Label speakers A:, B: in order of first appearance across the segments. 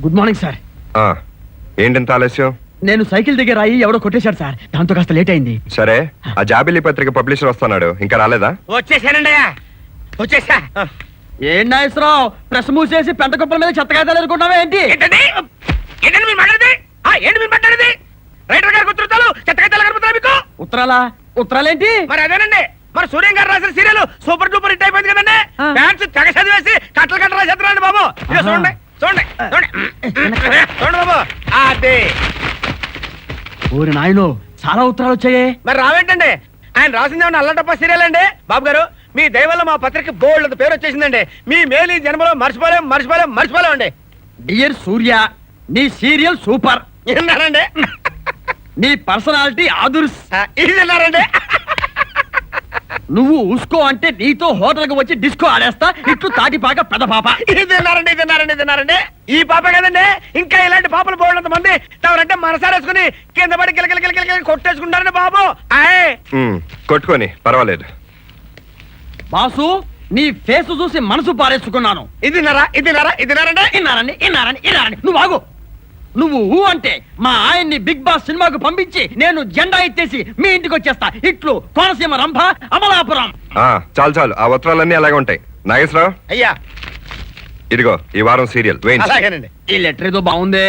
A: Good morning sir.
B: ఏంటంత ఆలస్యం?
A: నేను cycle దగ్గర అయ్యి ఎవడో కొట్టేశాడు సార్, దాంతో కాస్త లేట్ అయింది.
B: సరే, ఆ జాబిలీ పత్రిక పబ్లిషర్ వస్తున్నాడు, ఇంకా రాలేదా?
C: వచ్చేసానండి, వచ్చేసా.
A: ఏం నాగేశ్వరరావు, ప్రెస్ మూసేసి పెంట కుప్పల మీద చెత్తకాయతాలు ఎదుర్కొన్నావా ఏంటి?
C: ఏంటండి మీరు మాట్లాడేది? ఏంటి మీరు మాట్లాడేది? రైటర్ గారికి ఉత్తరాలు చెత్తకాయతాలు కనపడుతున్నా మీకు?
A: ఉత్తరాలేంటి?
C: మరి అదేనండి, మరి సూర్యం గారు రాసిన సీరియల్ సూపర్ డూపర్ హిట్ అయిపోయింది కదండి. ఫ్యాన్స్ తెగ చదివేసి కట్టలు రాసేస్తున్నారండి బాబు. చూడండి చూడండి చూడండి చూడండి బాబు. అదే
A: ఊరి నాయనో, చాలా ఉత్తరాలు వచ్చాయే.
C: మరి రావేంటండి, ఆయన రాసింది ఏమన్నా అల్లటప్ప సీరియల్ అండి? బాబు గారు, మీ దయవల్ల మా పత్రిక బోల్డ్ పేరు వచ్చేసిందండి. మీ మేలు జన్మలో మర్చిపోలేం అండి.
A: డియర్ సూర్య, నీ సీరియల్ సూపర్.
C: విన్నారండి?
A: నీ పర్సనాలిటీ ఆదుర్స్.
C: ఇది విన్నారండి?
A: నువ్వు ఉస్కో అంటే నీతో హోటల్ కు వచ్చి డిస్కో ఆడేస్తా, ఇట్లు తాటిపాక పెద్ద పాప.
C: ఇది తిన్నారండి. ఈ పాప కదండి, ఇంకా ఇలాంటి పాపలు పోయినంత మంది తమరంటే మనసారేసుకుని కింద పడి కిలకిల కొట్టేసుకుంటారండి బాబు.
B: కొట్టుకొని పర్వాలేదు.
A: బాసు, నీ ఫేస్ చూసి మనసు పారేసుకున్నాను.
C: ఇది
A: ఇన్నారండి. నువ్వు ఆగు. నువ్వు ఊ అంటే మా ఆయన్ని బిగ్ బాస్ సినిమాకు పంపించి నేను జెండా ఎత్తేసి మీ ఇంటికి వచ్చేస్తా. ఇట్లు కోనసీమ రంభ అమలాపురం.
B: చాలు, ఆ ఉత్తరాలన్నీ అలాగే ఉంటాయి. నాగేశ్వరరావు,
C: అయ్యా
B: ఇదిగో ఈ వారం సీరియల్.
C: అలాగేనండి.
A: ఈ లెటర్ ఏదో బాగుందే.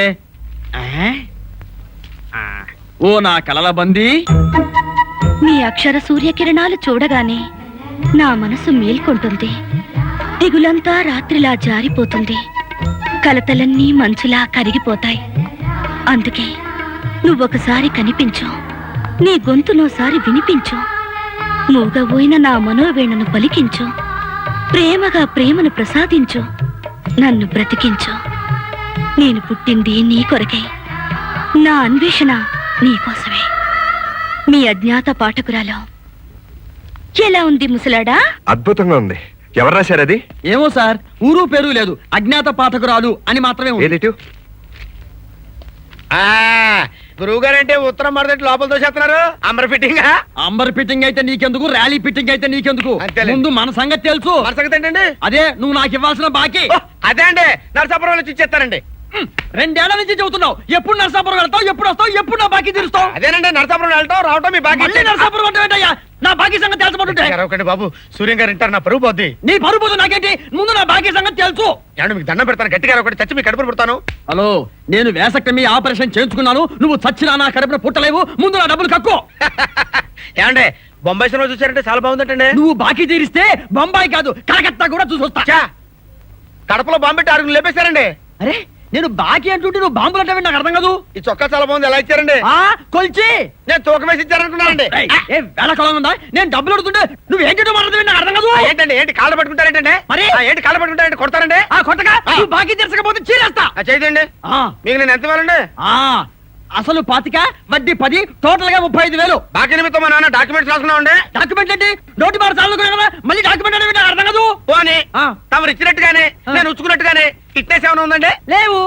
A: ఓ నా కలల బందీ,
D: నీ అక్షర సూర్యకిరణాలు చూడగానే నా మనసు మేల్కొంటుంది. దిగులంతా రాత్రిలా జారిపోతుంది. కలతలన్నీ మంచులా కరిగిపోతాయి. అందుకే నువ్వొకసారి కనిపించు, నీ గొంతునోసారి వినిపించు, మూగబోయిన నా మనోవేణను పలికించు, ప్రేమగా ప్రేమను ప్రసాదించు, నన్ను బ్రతికించు. నేను పుట్టింది నీ కొరకే, నా అన్వేషణ నీకోసమే. మీ అజ్ఞాత పాఠకురాలు. ఎలా ఉంది ముసలాడా?
B: అద్భుతంగా ఉంది. ఎవరు రాశారు అది?
A: ఏమో సార్, ఊరు పేరు లేదు, అజ్ఞాత పాఠకురాలు అని మాత్రమే ఉంది.
C: గురువు గారంటే ఉత్తరం మరదటి లోపల తోసేస్తున్నారు. అంబర్
A: ఫిట్టింగ్ అయితే నీకెందుకు, ర్యాలీ ఫిట్టింగ్ అయితే నీకెందుకు? ముందు మన సంగతి తెలుసు.
C: మన సంగతి ఏంటండి?
A: అదే నువ్వు నాకు ఇవ్వాల్సిన బాకీ.
C: అదే అండి, నరసాపురం వచ్చి ఇచ్చేస్తారండి.
A: 2 ఏళ్ల నుంచి చెబుతున్నావు. ఎప్పుడు నరసాపురం వెళ్తావు, ఎప్పుడు వస్తావు, ఎప్పుడు నా బాకీ తీరుస్తావు?
C: అదేనండి, నరసాపురం వెళ్తాం రావటం మీ బాకీ.
A: నరసాపురం అంటే నా బాకీ సంగతి తెలుసుకుంటుంటే
C: బాబు, సూర్యం గారు ఇంటారు, నా పరువు పోద్ది.
A: నీ పరువు పోదు నాకేంటి, ముందు నా బాకీ సంగతి తెలుసు.
C: మీకు దండం పెడతాను, గట్టిగా ఒకటి చచ్చి మీ కడుపును పుడతాను.
A: హలో, నేను వేసక్టమీ ఆపరేషన్ చేయించుకున్నాను. నువ్వు చచ్చినా నా కడుపున పుట్టలేవు. ముందు నా డబ్బులు కక్కు.
C: ఏమండే, బొంబాయి సినిమా చూసారంటే చాలా బాగుందంటే.
A: నువ్వు బాకీ తీరిస్తే బొంబాయి కాదు కలకత్తా కూడా చూసొస్తా.
C: కడపలో బాంబు పెట్టి 6 లేపేశారండి.
A: అరే, నేను బాకీ అంటుంటే నువ్వు బాంబులు అంటే నాకు అర్థం కాదు.
C: ఈ చొక్కా చాలా బాగుంది, ఎలా ఇచ్చారండి?
A: కొలిచి
C: నేను తూకం వేసి ఇచ్చారనుకున్నానండి.
A: వేళకాలం ఉందా? నేను డబ్బులు అడుగుతుంటే నువ్వు ఏంటో మాట్లాడుతుంది నాకు అర్థం కాదు.
C: ఏంటి కాళ్ళు పట్టుకుంటారేంటండి?
A: మరి
C: ఏంటి కాళ్ళు పట్టుకుంటారంటే కొడతారండి?
A: కొట్టగా నువ్వు బాకీ తీర్చకపోతే చీరేస్తా.
C: చేయండి. మీకు నేను ఎంత ఇవ్వాలండి?
A: అసలు 25, వడ్డీ 10, టోటల్ గా 35,000.
C: బాకీ నిమిత్తం మా నాన్న డాక్యుమెంట్స్ రాసుకున్నామండి.
A: డాక్యుమెంట్ ఏంటి? నోటి మాట చాలు కదా, మళ్ళీ డాక్యుమెంట్ అనేది నాకు అర్థం కాదు.
C: పోనీ తమరు ఇచ్చినట్టుగానే నేను ఉంచుకున్నట్టుగానే ఫిట్నెస్ ఏమైనా ఉందండి?
A: లేవు.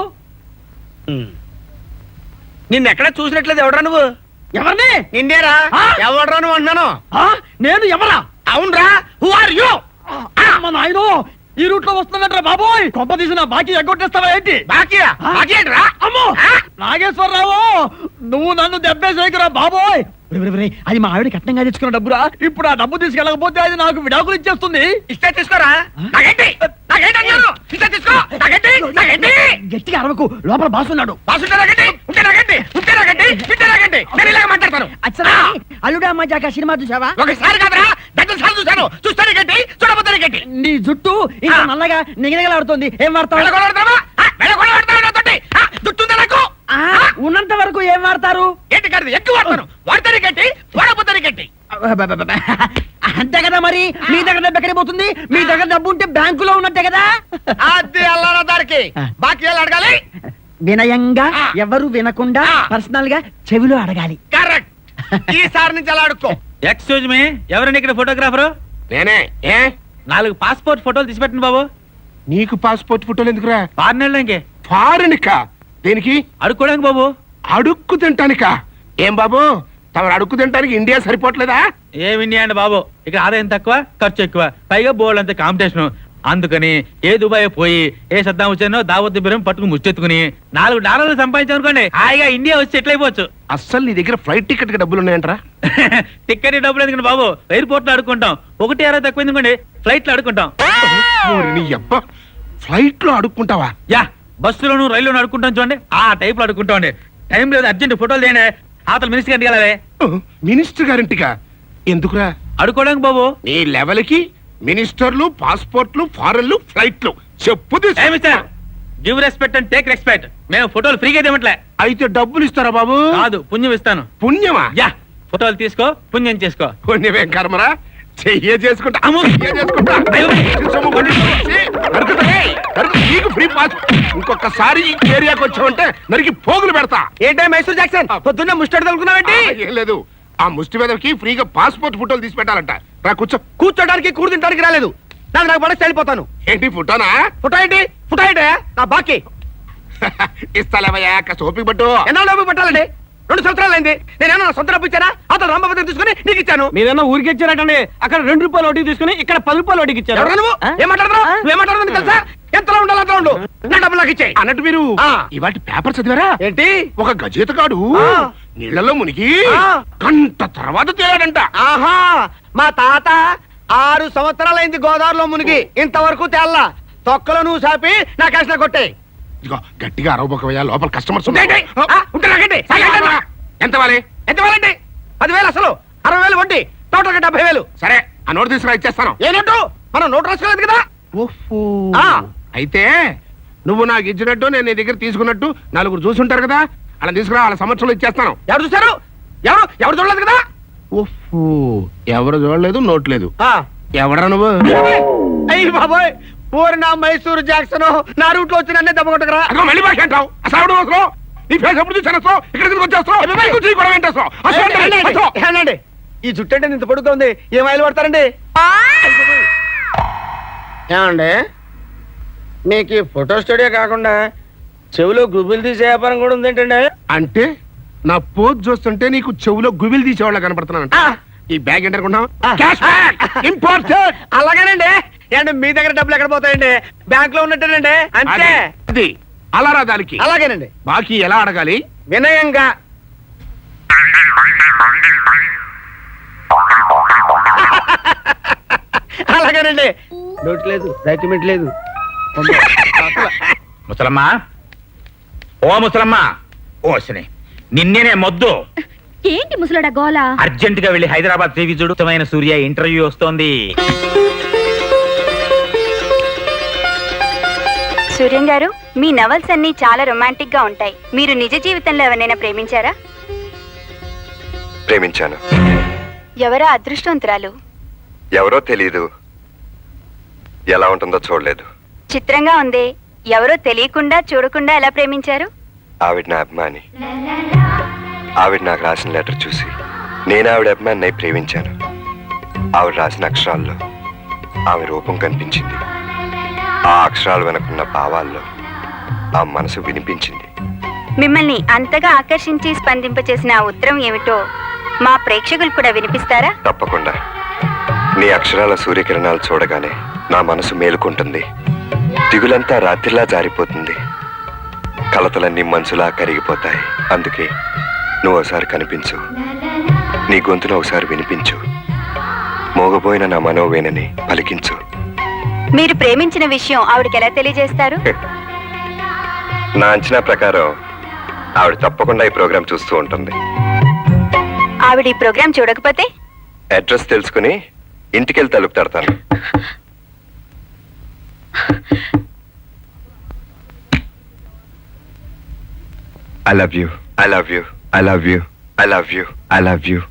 C: నిన్ను ఎక్కడ చూసినట్లేదు. ఎవడరా నువ్వు?
A: ఎవరిని?
C: నిన్నేరా. ఎవడరా నువ్వు అంటున్నాను.
A: నేను ఎవరా?
C: అవునరా. Who are you?
A: నాయనో, ఈ రూట్ లో వస్తున్నట్రా బాబోయ్. కొంప తీసిన బాకీ ఎగ్గొట్టేస్తావా ఏంటి?
C: బాకీ ఏంట్రా?
A: అమ్మో నాగేశ్వరరావు, నువ్వు నన్ను దెబ్బేసేకురా బాబోయ్. అది మా ఆవిడ కట్నంగా తెచ్చుకున్న డబ్బురా. ఇప్పుడు ఆ డబ్బు తీసుకెళ్ళకపోతే అది నాకు విడాకులు ఇచ్చేస్తుంది.
C: ఇస్తే తీసుకోరా.
A: గట్టిగా అరవకు, లోపల బాసున్నాడు. అల్లుడా మజాక సినిమా చూసావా?
C: ఒకసారి కాదురా, దద్దసారి చూసాను. చూస్తాను గట్టి, చూడబోతాను గట్టి.
A: నీ జుట్టు ఇంకా నల్లగా నిగనిగలాడుతోంది. ఏం వాడతావు?
C: జుట్టుందా నాకు?
A: ఉన్నంత వరకు ఏం వాడతారు?
C: ఏంటి కాదు, ఎక్కువ వాడతాను. వాడతాను గట్టి, వాడబోతాను గట్టి.
A: అంతే కదా. మరి మీ దగ్గర డబ్బు ఎక్కడికి పోతుంది? మీ దగ్గర డబ్బు ఉంటే బ్యాంకులో ఉన్నట్టే కదా.
C: అది అల్లారా దారికి బాకీ అడగాలి.
A: వినయంగా, ఎవరు వినకుండా పర్సనల్ గా చెవిలో అడగాలి.
C: కరెక్ట్. ఈసారి నుంచి అలా అడుక్కో.
E: ఎక్స్క్యూజ్ మీ, ఎవరండి ఇక్కడ ఫోటోగ్రాఫరు?
C: నేనే.
E: 4 పాస్పోర్ట్ ఫోటోలు తీసి పెట్టండి బాబు.
F: నీకు పాస్పోర్ట్ ఫోటోలు ఎందుకురా?
E: ఫారెన్
F: ఫారెన్కా? దేనికి?
E: అడుక్కోడానికి బాబు.
F: అడుక్కు తింటానికా? ఏం బాబు, తమరు అడుక్కు తింటానికి ఇండియా సరిపోవట్లేదా?
E: ఏం ఇండియా అండి బాబు, ఇక్కడ ఆదాయం తక్కువ, ఖర్చు ఎక్కువ, పైగా బోర్డు అంత కాంపిటీషన్. అందుకని ఏ దుబాయ్ పోయి ఏ సద్దాం వచ్చానో దావత్ బిరం పట్టుకుని ముచ్చెత్తుకుని $4 సంపాదించామనుకోండి హాయిగా ఇండియా వచ్చి సెటిల్ అయిపోవచ్చు.
F: అస్సలు నీ దగ్గర ఫ్లైట్ టికెట్ కి డబ్బులు ఉన్నాయంటరా?
E: టికెట్ డబ్బులు ఎందుకండి బాబు, ఎయిర్పోర్ట్ లో అడుకుంటాం. 1.60 తక్కువ ఎందుకండి, ఫ్లైట్ లో అడుకుంటాం.
F: ఓరి నీ అబ్బ, ఫ్లైట్ లో అడుక్కుంటావా?
E: యా, బస్సులోను రైల్లోను అడుకుంటాం చూడండి, ఆ టైప్ లో అడుకుంటాం. టైం లేదు, అర్జెంట్ ఫోటోలు తీయండి. అవతల మినిస్టర్ గారికి వెళ్ళాలి.
F: మినిస్టర్ గారింటిగా? ఎందుకురా?
E: అడుకోవడానికి బాబు.
F: నీ లెవెల్ కి మినిస్టర్లు, పాస్పోర్ట్లు, ఫారెన్లు, ఫ్లైట్లు చెప్పు.
E: Give respect and take respect. మేము ఫోటోలు ఫ్రీగా ఇవ్వట్లే.
F: అయితే డబ్బులు ఇస్తారా బాబు?
E: కాదు, పుణ్యం ఇస్తాను.
F: పుణ్యమా?
E: యా, ఫోటోలు తీసుకో, పుణ్యం చేసుకో.
F: పుణ్యమేం కర్మరా, చెయ్యే చేసుకుంటా.
E: అమ్మో.
F: చెయ్యే చేసుకుంటా. సొమ్ము కొని తీసుకొచ్చి నరుకుతా. నీకు ఫ్రీ పాస్. ఇంకొకసారి ఈ ఏరియాకి వచ్చావంటే నరికి పోగులు పెడతా.
C: ఏంటే మైసూర్ జాక్సన్ పొద్దున్నే ముస్టాడు తగులుకున్నావేంటి?
F: ఏం లేదు, ఆ ముష్టి మీదకి ఫ్రీగా పాస్పోర్ట్ ఫోటోలు తీసి పెట్టాలంట. రా కూర్చో.
C: కూర్చోడానికి కూడు తింటానికి రాలేదు. నాకు పడేసి వెళ్ళిపోతాను.
F: ఏంటి ఫోటోనా?
C: ఫోటో ఏంటి? ఫోటో ఏంటి? నా బాకీ
F: ఇస్తాలేవయ్యా, సోపి పట్టు.
C: ఎన్నో లోపు పెట్టాలండి. 2 సంవత్సరాలు అయింది. నేనేమో నా సొంత డబ్బు ఇచ్చానా? అతను రామభద్రం తీసుకుని నీకు ఇచ్చాను.
A: మీరేమో ఊరికి ఇచ్చారటండి, అక్కడ ₹2 వడ్డీ తీసుకుని ఇక్కడ ₹10 వడ్డీకి ఇచ్చారు.
C: ఎవరు నువ్వు? ఏం మాట్లాడుతున్నావు? నువ్వేం మాట్లాడుతుంది తెలుసా? ఎంతలో ఉండాలి అంతలో ఉండు. నా డబ్బులు నాకు ఇచ్చేయి.
F: అన్నట్టు మీరు
C: ఆ.
F: ఇవాటి పేపర్ చదివారా?
C: ఏంటి?
F: ఒక గజేతగాడు
C: ఆ.
F: నీళ్లలో మునిగి
C: ఆ.
F: గంట తర్వాత తేలాడంట.
C: ఆహా, మా తాత 6 సంవత్సరాలైంది గోదావరిలో మునిగి, ఇంతవరకు తేల్లా. తొక్కలో నువ్వు సాపి నా కష్ట కొట్టే.
F: ఇదిగో గట్టిగా అరవబోకవయ్యా, లోపల కస్టమర్స్
C: ఉంటే
F: ఎంత వాలి?
C: ఎంత వేలండి? 10,000 అసలు, 60,000 వడ్డీ, టోటల్ 70,000.
F: సరే, ఆ నోటు తీసుకురా, ఇచ్చేస్తాను.
C: ఏ నోటు? మనం నోటు రాసుకోలేదు కదా.
F: ఓహో.
C: ఆ.
F: అయితే నువ్వు నాకు ఇచ్చినట్టు నేను నీ దగ్గర తీసుకున్నట్టు 4 చూసుంటారు కదా, అలా తీసుకురా, వాళ్ళ సంవత్సరంలో ఇచ్చేస్తాను.
C: ఎవరు చూసారు? ఎవరు చూడలేదు కదా.
F: ఓహో, ఎవరు చూడలేదు, నోట్ లేదు.
C: ఆ.
F: ఎవడరా నువ్వు?
C: అయ్యి బాబోయ్, పూరి నా మైసూరు జాక్సన్ నా రూట్ లో వచ్చి నన్నే దెబ్బ కొట్టకరా.
F: అదిగో మళ్ళీ బాగా అంటావు. అసలు ఎవడు అవసరం? నీ ఫేస్ ఎప్పుడు చూసాను, ఇక్కడ ఎందుకు వచ్చేస్తావు?
C: అబ్బాయి.
F: కూర్చో, ఈ గొడవ ఏంటేస్తావు? అసలు ఏంటి? అసలు.
C: ఏనండి, ఈ జుట్టు అంటే ఇంత పొడుగ్గా ఉంది, ఏం ఆయిల్ పడతారండి? ఏమండి, మీకు ఈ ఫోటో స్టూడియో కాకుండా చెవిలో గుబులు తీసే వ్యాపారం కూడా ఉంది ఏంటండి?
F: అంటే నా పోజ్ చూస్తుంటే నీకు చెవులో గుబిలు తీసేవాళ్ళ కనపడుతున్నానంట.
C: ఆ.
F: ఈ బ్యాగ్ ఏంటనుకున్నావు?
C: ఆ.
F: Cash bag, important.
C: అలాగేనండి. ఏంటి మీ దగ్గర డబ్బులు ఎక్కడ పోతాయండి? బ్యాంక్ లో ఉన్నట్టేనండి, అంతే.
F: అది అలారా దానికి.
C: అలాగేనండి.
F: బాకీ ఎలా అడగాలి?
C: వినయంగా. అలాగేనండి. నోట్ లేదు, డాక్యుమెంట్ లేదు.
E: ముసలమ్మా, ఓ ముసలమ్మా, ఓసిని నిన్నేనే మొద్దు.
D: ఏంటి ముసలాడా గోలా?
E: అర్జెంట్ గా వెళ్ళి హైదరాబాద్ టీవీ చూడుతమైన సూర్య ఇంటర్వ్యూ వస్తోంది.
G: సూర్యం గారు, మీ నవల్స్ అన్ని చాలా రొమాంటిక్ గా ఉంటాయి. మీరు నిజ జీవితంలో ఎవరినైనా ప్రేమించారా?
B: ప్రేమించాను.
G: ఎవరా అదృష్టవంతురాలు?
B: ఎవరో తెలీదు, ఎలా ఉంటుందో చూడలేదు.
G: చిత్రంగా ఉంది. ఎవరో తెలియకుండా చూడకుండా ఎలా ప్రేమించారు?
B: ఆవిడ నా అభిమాని. ఆవిడ నాకు రాసిన లెటర్ చూసి నేను ఆవిడ అభిమాని ప్రేమించాను. ఆవిడ రాసిన అక్షరాల్లో ఆమె రూపం కనిపించింది. ఆ అక్షరాలు వెనకున్న భావాల్లో ఆ మనసు వినిపించింది.
G: మిమ్మల్ని అంతగా ఆకర్షించి స్పందింపచేసిన ఆ ఉత్తరం ఏమిటో మా ప్రేక్షకులు కూడా వినిపిస్తారా?
B: తప్పకుండా. నీ అక్షరాల సూర్యకిరణాలు చూడగానే నా మనసు మేలుకుంటుంది. దిగులంతా రాత్రిలా జారిపోతుంది. కలతలన్నీ మనసులా కరిగిపోతాయి. అందుకే నువ్వు ఒకసారి కనిపించు, నీ గొంతును ఒకసారి వినిపించు, మోగబోయిన నా మనోవేనని పలికించు.
G: మీరు ప్రేమించిన విషయం ఆవిడకి ఎలా తెలియజేస్తారు?
B: నా అంచనా ప్రకారం ఆవిడ తప్పకుండా ఈ ప్రోగ్రాం చూస్తూ ఉంటుంది.
G: ఆవిడ ఈ ప్రోగ్రాం చూడకపోతే?
B: అడ్రస్ తెలుసుకుని ఇంటికెళ్ళి తలుపు తడతాను. I love you. I love you. I love you. I love you. I love you.